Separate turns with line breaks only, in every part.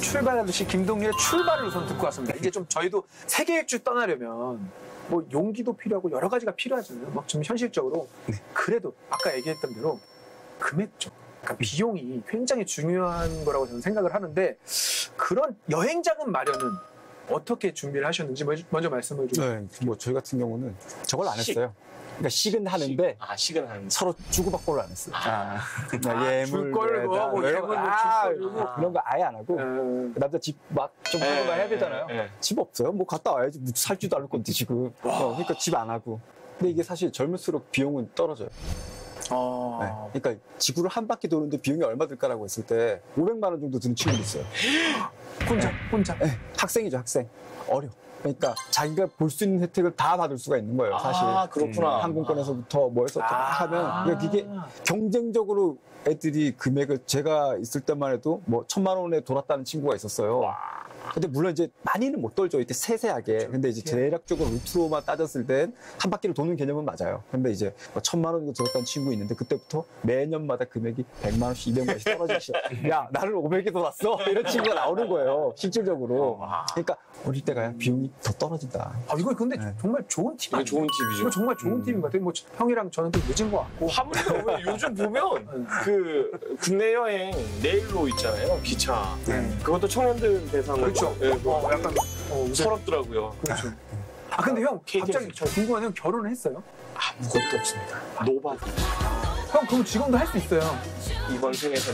출발하듯이 김동률의 출발을 우선 듣고 왔습니다. 이제 좀 저희도 세계 일주 떠나려면 뭐 용기도 필요하고 여러 가지가 필요하잖아요. 막 좀 현실적으로. 그래도 아까 얘기했던 대로 금액적, 그러니까 비용이 굉장히 중요한 거라고 저는 생각을 하는데 그런 여행 자금 마련은 어떻게 준비를 하셨는지 먼저 말씀을 좀.
네, 뭐 저희 같은 경우는 저걸 안 했어요. 그러니까 식은 하는데
식은 하는데
서로 주고받고를 안 했어요.
줄 걸 뭐 예물
그런 거 아예 안 하고 남자 집 막 좀 하는 거 해야 되잖아요. 집 없어요. 뭐 갔다 와야지. 뭐 살지도 않을 건데 지금. 그러니까 집 안 하고. 근데 이게 사실 젊을수록 비용은 떨어져요. 네. 그러니까 지구를 한 바퀴 도는데 비용이 얼마 들까라고 했을 때 500만 원 정도 드는 친구도 있어요.
혼자.
네. 학생이죠, 학생. 어려. 그러니까 자기가 볼 수 있는 혜택을 다 받을 수가 있는 거예요, 사실.
그렇구나.
항공권에서부터 뭐 해서 다 하면 그러니까 이게 경쟁적으로 애들이 금액을 제가 있을 때만 해도 뭐 1,000만 원에 돌았다는 친구가 있었어요. 근데 물론 이제 많이는 못 돌죠. 이렇게 세세하게. 근데 이제 대략적으로 루트로만 따졌을 땐 한 바퀴를 도는 개념은 맞아요. 근데 이제 뭐 1,000만 원 정도 들었다는 친구 있는데 그때부터 매년마다 금액이 100만 원씩, 200만 원씩 떨어지기 시작. 야, 나를 500에 돌았어? 이런 친구가 나오는 거예요. 실질적으로. 그러니까 어릴 때 가야 비용이 더 떨어진다.
이거 근데 정말 좋은 팁 아니에요?
좋은 팁이죠.
이거 정말 좋은 팁인 것 같아요. 뭐 형이랑 저는 좀 늦은 것 같고.
화물도 왜 요즘 보면 그 국내 여행 네일로 있잖아요. 기차. 그것도 청년들 대상으로.
그렇죠. 약간
서럽더라고요.
그렇죠. 근데 형 갑자기 저 궁금한 형 결혼을 했어요?
아무것도 없습니다. 노바디.
형 그럼 지금도 할 수 있어요.
이번 생에서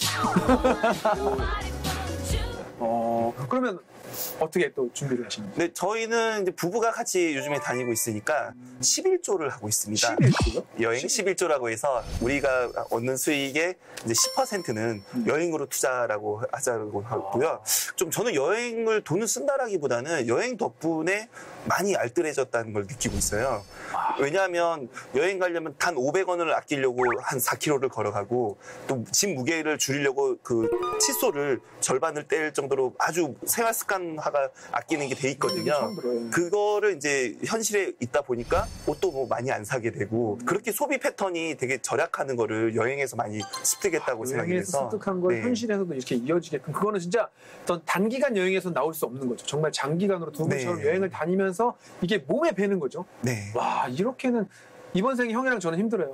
그러면 어떻게 또 준비를 하시는지?
네, 저희는 이제 부부가 같이 요즘에 다니고 있으니까 11조를 하고 있습니다.
11조요?
여행 11조라고 해서 우리가 얻는 수익의 이제 10%는 여행으로 투자라고 하자고 하고요. 좀 저는 여행을 돈을 쓴다라기보다는 여행 덕분에 많이 알뜰해졌다는 걸 느끼고 있어요. 왜냐하면 여행 가려면 단 500원을 아끼려고 한 4km를 걸어가고 또 짐 무게를 줄이려고 그 칫솔을 절반을 뗄 정도로 아주 생활 습관화가 아끼는 게 돼 있거든요. 그거를 이제 현실에 있다 보니까 옷도 뭐 많이 안 사게 되고 그렇게 소비 패턴이 되게 절약하는 거를 여행에서 많이 습득했다고 생각이 돼서.
여행에서 습득한 걸 현실에서도 이렇게 이어지게끔 그거는 진짜 어떤 단기간 여행에서 나올 수 없는 거죠. 정말 장기간으로 두 분처럼 여행을 다니면서 이게 몸에 배는 거죠. 와, 이렇게는 이번 생에 형이랑 저는 힘들어요.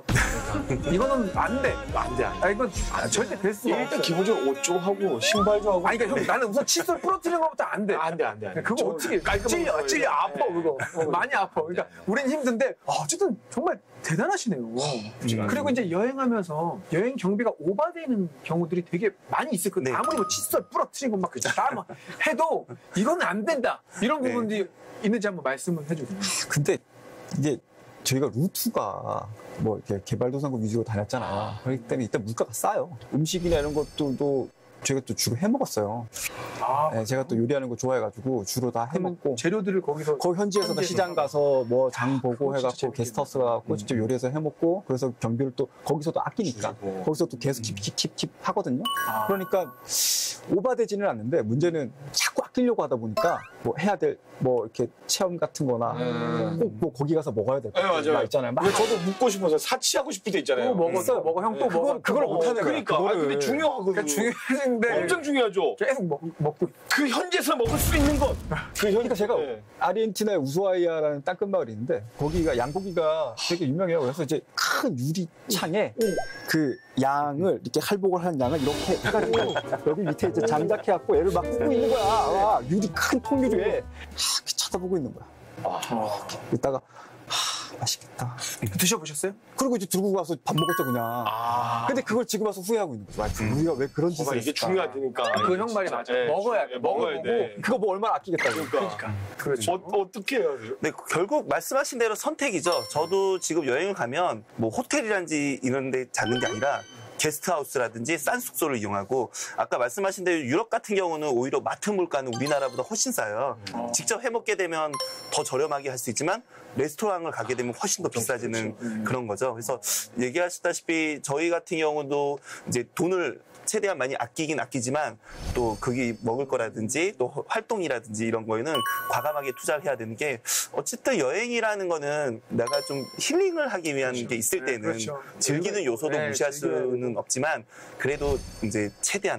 이거는 안 돼.
안 돼.
이건 절대 될 수가 없어요.
일단 기본적으로 옷 좀 하고 신발 좀 하고.
그러니까 형 나는 우선 칫솔 부러뜨리는 것부터 안 돼.
안 돼.
그거 어떻게 찔려 아파 그거. 많이 아파. 그러니까 우린 힘든데 어쨌든 정말 대단하시네요. 그리고 이제 여행하면서 여행 경비가 오바되는 경우들이 되게 많이 있을 거예요. 아무리 뭐 칫솔 부러뜨리고 막 다 해도 이거는 안 된다. 이런 부분들이 있는지 한번 말씀을 해주세요.
근데 이게 저희가 루트가 뭐 이렇게 개발도상국 위주로 다녔잖아요. 그렇기 때문에 일단 물가가 싸요. 음식이나 이런 것들도 저희가 또 주로 해 먹었어요. 제가 또 요리하는 거 좋아해가지고 주로 다 해 먹고
재료들을 거기서
현지에서 시장 가서 뭐 장 보고 해갖고 게스트하우스 가고 직접 요리해서 해 먹고 그래서 경비를 또 거기서도 아끼니까 거기서 또 계속 킵 하거든요. 그러니까 오바되지는 않는데 문제는 자꾸 아끼려고 하다 보니까 뭐 해야 될 뭐 이렇게 체험 같은 거나 꼭 뭐 거기 가서 먹어야 될 거 있잖아요.
저도 묻고 싶어서 사치하고 싶을 때 있잖아요.
먹어 형 또 먹어.
그걸 못하는 거야.
그러니까 근데 중요하거든요.
중요한데
엄청 중요하죠.
계속 먹고
그 현지에서 먹을 수 있는 것.
그러니까 제가 아르헨티나의 우수아이아라는 땅끝마을이 있는데 거기가 양고기가 되게 유명해요. 그래서 이제 큰 유리창에 그 양을 이렇게 할복을 한 양을 이렇게 해가지고 여기 밑에 이제 장작해갖고 얘를 막 굽고 있는 거야. 유리 큰 통유리에 이렇게 쳐다보고 있는 거야. 이따가 맛있겠다.
드셔보셨어요?
그리고 이제 들고 가서 밥 먹었죠 그냥. 근데 그걸 지금 와서 후회하고 있는 거죠. 우리가 왜 그런 짓을 했을까.
이게 중요하다니까.
그 형 말이 맞아. 먹어야 돼.
그거 뭐 얼마나 아끼겠다고.
그러니까.
그렇죠.
어떻게 해야 돼요?
네, 결국 말씀하신 대로 선택이죠. 저도 지금 여행을 가면 뭐 호텔이란지 이런 데 잡는 게 아니라 게스트하우스라든지 싼 숙소를 이용하고 아까 말씀하신 대로 유럽 같은 경우는 오히려 마트 물가는 우리나라보다 훨씬 싸요. 직접 해먹게 되면 더 저렴하게 할 수 있지만 레스토랑을 가게 되면 훨씬 더 비싸지는 그런 거죠. 그래서 얘기하셨다시피 저희 같은 경우도 이제 돈을 최대한 많이 아끼긴 아끼지만 또 거기 먹을 거라든지 또 활동이라든지 이런 거에는 과감하게 투자를 해야 되는 게 어쨌든 여행이라는 거는 내가 좀 힐링을 하기 위한 게 있을 때는 즐기는 요소도 무시할 수는 없지만 그래도 이제 최대한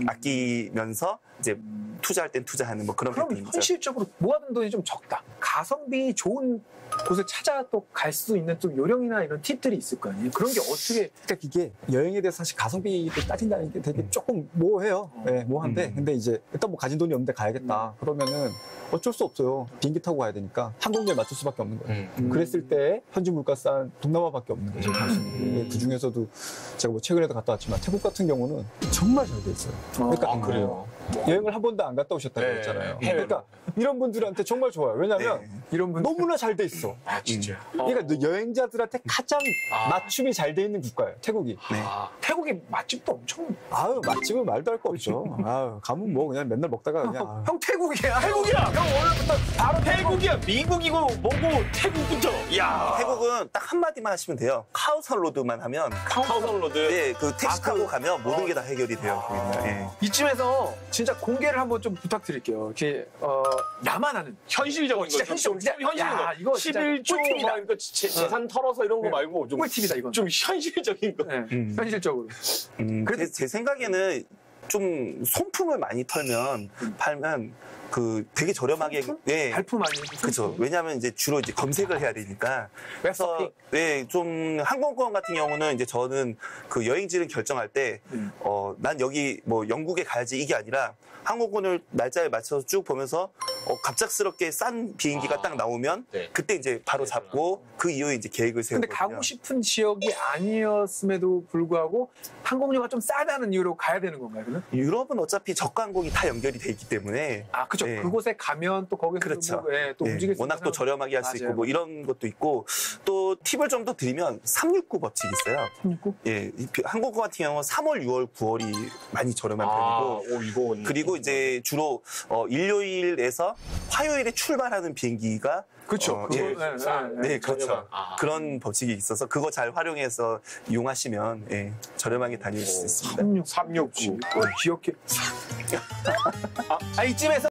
아끼면서 이제 투자할 땐 투자하는 뭐 그런
그럼
패턴이죠.
현실적으로 모아둔 돈이 좀 적다. 가성비 좋은 곳을 찾아 또 갈 수 있는 좀 요령이나 이런 팁들이 있을 거 아니에요. 그런 게 어떻게
그러니까 이게 여행에 대해서 사실 가성비를 따진다는 게 되게 조금 모호해요. 네, 모호한데 근데 이제 일단 뭐 가진 돈이 없는데 가야겠다. 그러면은 어쩔 수 없어요. 비행기 타고 가야 되니까 항공료에 맞출 수밖에 없는 거예요. 그랬을 때 현지 물가 싼 동남아밖에 없는 거죠. 그 중에서도 제가 뭐 최근에도 갔다 왔지만 태국 같은 경우는 정말 잘 돼 있어요. 그러니까
그래요.
여행을 한 번도 안 갔다 오셨다고
네,
했잖아요.
해외로.
그러니까 이런 분들한테 정말 좋아요. 왜냐하면
이런 분
너무나 잘 돼 있어.
아, 진짜.
그러니까 여행자들한테 가장 맞춤이 잘 돼 있는 국가예요. 태국이.
태국의 맛집도 엄청
아유 맛집은 말도 할 거 없죠. 아유 가면 뭐 그냥 맨날 먹다가 그냥 아유.
형 태국이야.
태국이야!
형 오늘부터 바로
태국이야! 미국이고 뭐고 태국부터! 야
태국은 딱 한마디만 하시면 돼요. 카오산 로드만 하면
카오산 로드.
네, 그 택시 타고 가면 모든 게 다 해결이 돼요. 거기는. 예.
이쯤에서 진짜 공개를 한번 좀 부탁드릴게요. 이렇게 나만 아는
현실적인 거.
진짜
좀
현실적인
현실적인
야,
거.
이거 진짜
11조
꿀팁이다.
막 이거 재산 털어서 이런 거 말고 좀,
꿀팁이다 이건.
좀 현실적인 거.
네, 현실적으로. 그래도-
제 생각에는 좀 손품을 많이 팔면 그 되게 저렴하게 예.
발품 아니에요?
그렇죠. 왜냐하면 이제 주로 이제 검색을 해야 되니까. 그래서
웹서핑.
네, 좀 항공권 같은 경우는 이제 저는 그 여행지를 결정할 때 난 여기 뭐 영국에 가야지 이게 아니라 항공권을 날짜에 맞춰서 쭉 보면서 갑작스럽게 싼 비행기가 딱 나오면
네.
그때 이제 바로 잡고 그 이후에 이제 계획을
근데
세우거든요.
가고 싶은 지역이 아니었음에도 불구하고 항공료가 좀 싸다는 이유로 가야 되는 건가요, 그러면?
유럽은 어차피 저가 항공이 다 연결이 돼 있기 때문에
아, 그죠.
네.
그곳에 가면 또 거기서
그렇죠.
뭐, 예, 또
예,
움직일 수
워낙
있는
또 저렴하게 할 수 있고
맞아요.
뭐 이런 것도 있고 또 팁을 좀 더 드리면 369 법칙이 있어요.
369?
예, 항공권 같은 경우는 3월, 6월, 9월이 많이 저렴한 편이고
이건.
그리고 이제 주로 일요일에서 화요일에 출발하는 비행기가
그렇죠.
예. 네, 그렇죠.
저렴한.
그런 법칙이 있어서 그거 잘 활용해서 이용하시면 예, 저렴하게 다닐 수 있습니다.
369. 기억해. 이쯤에서